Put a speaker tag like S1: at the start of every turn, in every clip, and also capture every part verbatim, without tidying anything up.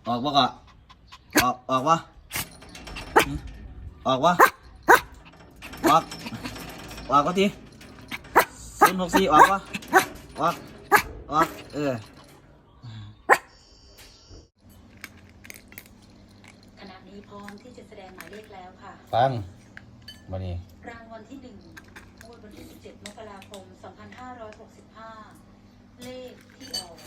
S1: ออกวะก็ออกออกวะออกวะออกออกก็ทีศูนย์หกสี่ออกวะออกออกเออ
S2: ขณะนี้พร้อมที่จะแสดงหมายเลขแล้วค่ะ
S1: ฟังมานี่
S2: รางวัลที่หนึ่งงวดวันที่สิบเจ็ดมกราคมสองพันห้าร้อยหกสิบห้าเลขที่ออก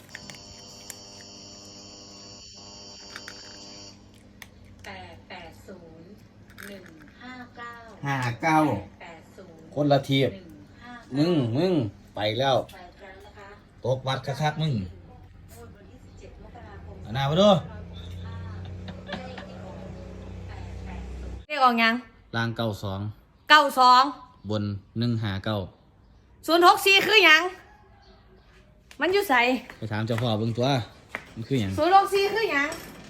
S2: แปดแปดศูนย์หนึ่งห้าเก้า
S1: ห้าเก้า
S2: แปดศูนย์
S1: คนละทีมึงมึงไปแล้ว
S2: ไปครั้งนะคะ
S1: ตกวัดคักๆมึง
S2: งวดวันที่สิบเจ็ดมกราคม
S1: เอาหน้ามาดู
S3: เลขออกยัง
S1: ล่างเก้าสอง
S3: เก้าสอง
S1: บนหนึ่งหาเก้า
S3: ศูนย์หกสี่คือหยังมันอยู่ใส่
S1: ไปถามเจ้าพ่อเบิ่งตัวมันคือหยัง
S3: ศูนย์หกสี่คือหยัง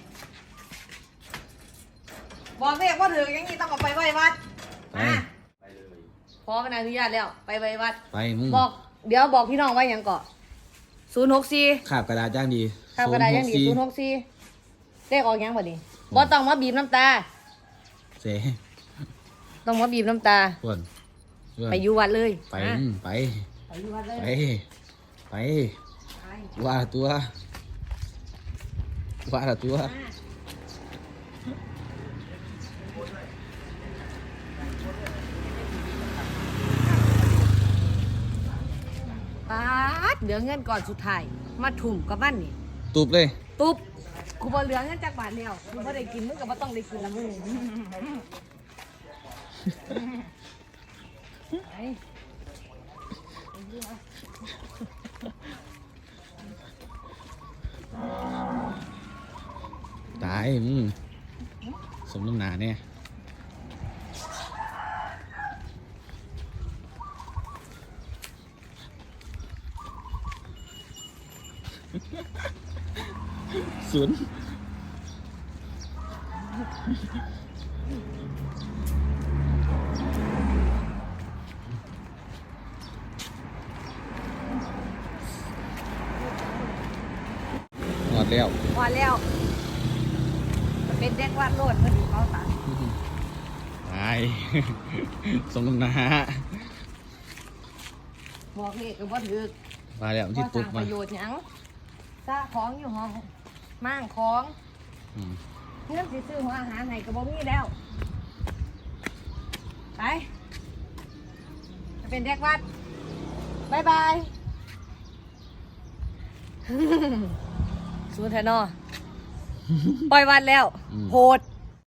S3: บอกเลขว่าถือยังงี้ต้องเอาไปไว้วัดมาพอเป็นอนุญาตแล้วไปไว้วัด
S1: ไปมึง
S3: บอกเดี๋ยวบอกพี่น้องไว้ยังก่อนศูนย์หกสี่
S1: ขาบกระดาษย่างดี
S3: ขาบกระดาษย่างดีศูนย์หกสี่เลขออกยังบ่ดิบ่ต้องมาบีบน้ำตา
S1: เส
S3: ต้องมาบีบน้ำตาไปอยู่วัดเลย
S1: ไปไป
S3: ไปอยู่วัดเลย
S1: ไปไปว่าตัวว่าตัว
S3: ป๊าดเหลือเงินก่อนสุดท้ายมาถุ่มกับมันนี่
S1: ตุบเลย
S3: ตุบกูบ่เหลือเงินจากบาทแล้วกูบ่ได้กินมึงก็บ่ต้องได้กินละมึง
S1: ตายมึงสมน้ำหนาเนี่ยศูนย์หมดแล้ว
S3: หมดแล้วเป็นเด็กวาดโลดเพื่อนเขาตัด
S1: ตายสมน้ำหนา
S3: บอกเลขก็บ่ถือ
S1: มาแล้วที่ตุบมา
S3: ประโยชน์หยังซาของอยู่ห้องมั่งของเงินสิซื้อหัวอาหารให้ก็บ่มีแล้วไปเป็นเด็กวัดบายบายสูนย์แทนอปล่อยวัดแล้วโหด